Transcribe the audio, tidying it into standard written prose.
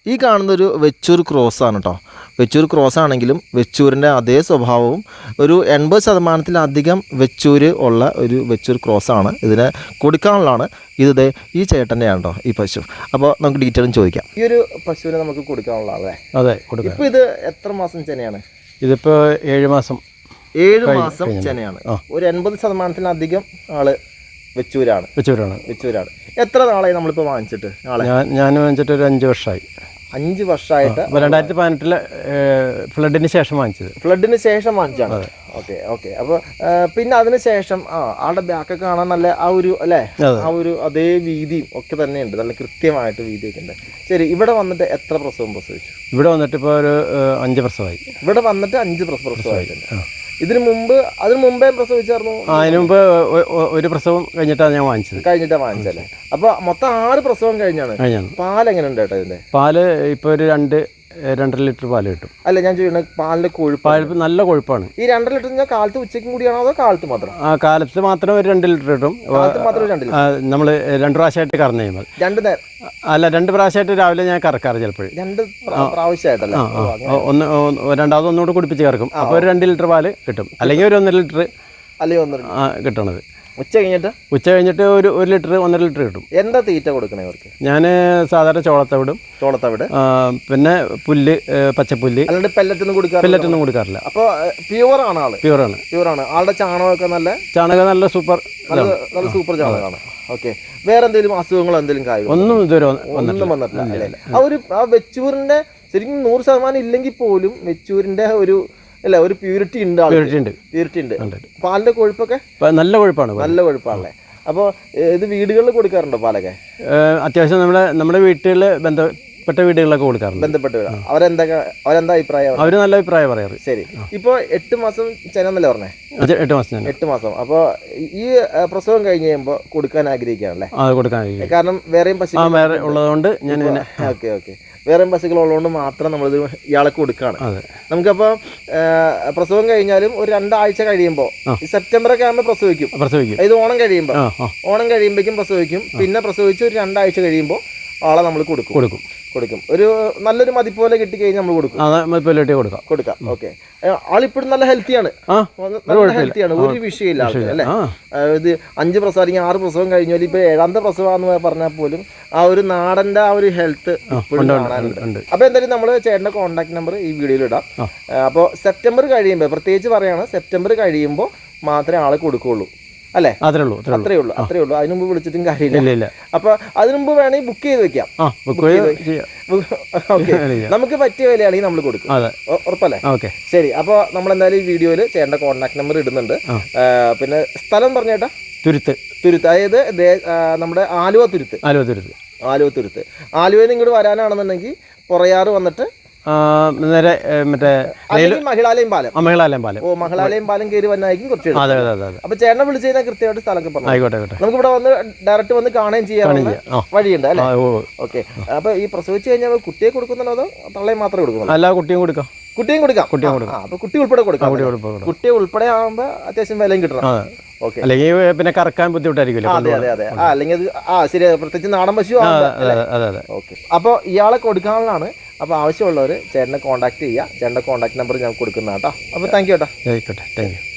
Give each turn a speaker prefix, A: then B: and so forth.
A: ഈ കാണുന്നൊരു വെച്ചൂർ ക്രോസാണ് കേട്ടോ. വെച്ചൂർ ക്രോസ് ആണെങ്കിലും വെച്ചൂരിൻ്റെ അതേ സ്വഭാവവും ഒരു 80% വെച്ചൂര് ഉള്ള ഒരു വെച്ചൂർ ക്രോസാണ്. ഇതിന് കൊടുക്കാനുള്ളതാണ്. ഇത് ഈ ചേട്ടൻ്റെയാണ് കേട്ടോ ഈ പശു. അപ്പോൾ നമുക്ക് ഡീറ്റെയിലും ചോദിക്കാം. ഈ ഒരു പശുവിനെ നമുക്ക് കൊടുക്കാനുള്ളതല്ലേ?
B: അതെ, കൊടുക്കാം.
A: ഇപ്പോൾ ഇത് എത്ര മാസം ചെനയാണ്?
B: ഇതിപ്പോൾ 7 മാസം.
A: 7 മാസം ചെനയാണ്. ഒരു 80% ആള് വെച്ചൂരാണ്. എത്ര നാളായി നമ്മളിപ്പോൾ വാങ്ങിച്ചിട്ട്?
B: ഞാൻ വാങ്ങിച്ചിട്ട് ഒരു 5 വർഷമായി.
A: 5 വർഷമായിട്ട്.
B: 2018 ഫ്ലഡിന് ശേഷം വാങ്ങിച്ചത്.
A: ഫ്ലഡിന് ശേഷം വാങ്ങിച്ചാണ്. ഓക്കെ. അപ്പോൾ പിന്നെ അതിന് ശേഷം ആളുടെ ബാക്കൊക്കെ കാണാൻ നല്ല ആ ഒരു അല്ലേ, ആ ഒരു അതേ വീതിയും ഒക്കെ തന്നെയുണ്ട്. നല്ല കൃത്യമായിട്ട് വീതിയൊക്കെ ഉണ്ട്. ശരി, ഇവിടെ വന്നിട്ട് എത്ര പ്രസവം പ്രസവിച്ചു?
B: ഇവിടെ വന്നിട്ട് ഇപ്പോൾ ഒരു 5 പ്രസവമായി.
A: ഇവിടെ വന്നിട്ട് 5 പ്രസവമായിട്ടുണ്ട്. അതിനു മുമ്പേ പ്രസവിച്ചായിരുന്നു?
B: അതിന് മുമ്പ് ഒരു പ്രസവം കഴിഞ്ഞിട്ടാണ് ഞാൻ
A: വാങ്ങിച്ചല്ലേ? അപ്പൊ മൊത്തം 6 പ്രസവം കഴിഞ്ഞാണ്. പാൽ എങ്ങനെ ഉണ്ട് ചേട്ടാ ഇതിന്റെ?
B: പാല് ഇപ്പൊ ഒരു 2.5 ലിറ്റർ പാല് കിട്ടും.
A: അല്ല, ഞാൻ ചോദിക്കുന്നത് പാലിന്റെ കൊഴുപ്പ്.
B: നല്ല കൊഴുപ്പാണ്.
A: ഈ 2 ലിറ്റർ ഞാൻ കാലത്ത് ഉച്ചയ്ക്കും കൂടിയാണോ അതോ കാലത്ത് മാത്രം?
B: കാലത്ത് മാത്രം ഒരു 2 ലിറ്റർ കിട്ടും. നമ്മള് 2 പ്രാവശ്യമായിട്ട് കറന്നു കഴിയുമ്പോൾ. 2 പ്രാവശ്യമായിട്ട് രാവിലെ ഞാൻ കറക്കാറ്. ചിലപ്പോൾ
A: 2 പ്രാവശ്യമായിട്ടല്ലേ?
B: രണ്ടാമത് ഒന്നുകൂടെ കുടിപ്പിച്ച് കറക്കും. അപ്പോൾ ഒരു 2 ലിറ്റർ പാല് കിട്ടും. അല്ലെങ്കിൽ ഒരു 1.5 ലിറ്റർ കിട്ടണത്. ഉച്ച കഴിഞ്ഞിട്ട് ഒരു 1 ലിറ്റർ 1.5 ലിറ്റർ കിട്ടും.
A: എന്താ തീറ്റ കൊടുക്കണേ അവർക്ക്?
B: ഞാൻ സാധാരണ ചോളത്തവിട്, പിന്നെ പുല്ല്, പച്ചപ്പുല്ല്.
A: അല്ലാണ്ട് പെല്ലറ്റൊന്നും
B: കൊടുക്കാറില്ല.
A: അപ്പോൾ പ്യുവറാണ് ആള്? പ്യുവറാണ്. ആളുടെ ചാണകമൊക്കെ നല്ല സൂപ്പർ ചാണകമാണ്. ഓക്കെ. വേറെ എന്തെങ്കിലും അസുഖങ്ങളോ എന്തെങ്കിലും കാര്യം
B: ഒന്നും ഇതുവരെ
A: ഒന്നും വന്നിട്ടില്ല. ആ വെച്ചൂരിന്റെ ശരിക്കും 100% ഇല്ലെങ്കിൽ പോലും വെച്ചൂരിന്റെ ഒരു പ്യൂരിറ്റി ഉണ്ട്. പാലിന്റെ കൊഴുപ്പൊക്കെ
B: നല്ല
A: കൊഴുപ്പാണല്ലേ? അപ്പോൾ ഇത് വീടുകളിൽ കൊടുക്കാറുണ്ടോ പാലൊക്കെ?
B: അത്യാവശ്യം നമ്മുടെ വീട്ടിൽ ബന്ധപ്പെട്ട വീടുകളിലൊക്കെ കൊടുക്കാറുണ്ട്.
A: അവരെന്താ അഭിപ്രായം?
B: അവര് നല്ല അഭിപ്രായം പറയാറ്.
A: ശരി. ഇപ്പൊ 8 മാസം ചെന്നല്ലേ പറഞ്ഞേ? 8 മാസം. അപ്പോൾ ഈ പ്രസവം കഴിഞ്ഞ് കഴിയുമ്പോൾ കൊടുക്കാൻ ആഗ്രഹിക്കുകയാണല്ലേ? കാരണം വേറെയും പശു
B: ഉള്ളതുകൊണ്ട് ഞാൻ
A: ഓക്കെ വേറെ പശുക്കളുള്ളതുകൊണ്ട് മാത്രം നമ്മളിത് ഇയാളെ കൊടുക്കുകയാണ്. നമുക്കപ്പോൾ പ്രസവം കഴിഞ്ഞാലും ഒരു 2 ആഴ്ച കഴിയുമ്പോൾ, സെപ്റ്റംബറൊക്കെ ആകുമ്പോൾ പ്രസവിക്കും. ഇത് ഓണം കഴിയുമ്പോഴേക്കും പ്രസവിക്കും. പിന്നെ പ്രസവിച്ച് ഒരു 2 ആഴ്ച കഴിയുമ്പോൾ ആളെ നമ്മൾ കൊടുക്കും. ഒരു നല്ലൊരു മതിപ്പോലെ കിട്ടിക്കഴിഞ്ഞാൽ നമ്മൾ കൊടുക്കാം. ഓക്കെ. ആളിപ്പോഴും നല്ല ഹെൽത്തിയാണ്. ഒരു വിഷയമില്ല ആൾക്ക് അല്ലേ? ഇത് 5 പ്രസവം അല്ലെങ്കിൽ 6 പ്രസവം കഴിഞ്ഞാൽ ഇപ്പൊ 7ാമത്തെ പ്രസവമാണെന്ന് പറഞ്ഞാൽ പോലും ആ ഒരു നാടന്റെ ആ ഒരു ഹെൽത്ത് ഇപ്പോഴും കാണാനുണ്ട്. അപ്പൊ എന്തായാലും നമ്മൾ ചേട്ടന്റെ കോൺടാക്ട് നമ്പർ ഈ വീഡിയോയിൽ ഇടാം. അപ്പോൾ സെപ്റ്റംബർ കഴിയുമ്പോൾ, പ്രത്യേകിച്ച് പറയാണ്, സെപ്റ്റംബർ കഴിയുമ്പോൾ മാത്രമേ ആളെ കൊടുക്കുള്ളൂ അല്ലേ? അത്രേ ഉള്ളൂ. അതിന് മുമ്പ് വിളിച്ചിട്ടും കാര്യമില്ല. അപ്പൊ അതിനു മുമ്പ് വേണമെങ്കിൽ ബുക്ക് ചെയ്ത് വെക്കാം. നമുക്ക് പറ്റിയ വിലയാണെങ്കിൽ നമ്മൾ കൊടുക്കും. ഉറപ്പല്ലേ? ശരി. അപ്പോൾ നമ്മൾ എന്തായാലും ഈ വീഡിയോയിൽ ചേട്ടൻ്റെ കോൺടാക്ട് നമ്പർ ഇടുന്നുണ്ട്. പിന്നെ സ്ഥലം പറഞ്ഞേട്ടാ? തുരുത്ത്. അതായത് നമ്മുടെ ആലുവ തുരുത്ത്. ആലുവയിൽ നിന്ന് ഇങ്ങോട്ട് വരാനാണെന്നുണ്ടെങ്കിൽ പൊറയാറ് വന്നിട്ട്
B: നേരെ മറ്റേ
A: മഹിളാലയം പാലം. മഹിളാലയം പാലം കയറി വന്നായിരിക്കും കുറച്ച്. അപ്പൊ ചേട്ടനെ വിളിച്ചു കഴിഞ്ഞാൽ കൃത്യമായിട്ട് സ്ഥലമൊക്കെ പറഞ്ഞു. നമുക്ക് ഇവിടെ വന്ന് ഡയറക്റ്റ് വന്ന് കാണുകയും ചെയ്യാനുള്ള വഴിയുണ്ട് അല്ലേ? ഓക്കെ. അപ്പൊ ഈ പ്രസവിച്ച് കഴിഞ്ഞാൽ കുട്ടിയെ കൊടുക്കുന്നുണ്ടോ അതോ തള്ളയെ മാത്രമേ കൊടുക്കുന്നുള്ളൂ?
B: അല്ല, കുട്ടിയും കൊടുക്കാം.
A: അപ്പൊ കുട്ടി ഉൾപ്പെടെ കൊടുക്കാം. കുട്ടിയെ ഉൾപ്പെടെ ആകുമ്പോ അത്യാവശ്യം വിലയും കിട്ടണം.
B: അല്ലെങ്കിൽ പിന്നെ കറക്കാൻ ബുദ്ധിമുട്ടായിരിക്കും.
A: അതെ. അല്ലെങ്കിൽ ശരി, പ്രത്യേകിച്ച് നാടൻ പശു. ഓക്കെ. അപ്പൊ ഇയാളെ കൊടുക്കാനുള്ളതാണ്. അപ്പോൾ ആവശ്യമുള്ളവർ ചേട്ടനെ കോൺടാക്ട് ചെയ്യുക. ചേട്ടൻ്റെ കോൺടാക്ട് നമ്പർ ഞാൻ കൊടുക്കുന്നതാണ് കേട്ടോ. അപ്പോൾ താങ്ക് യു.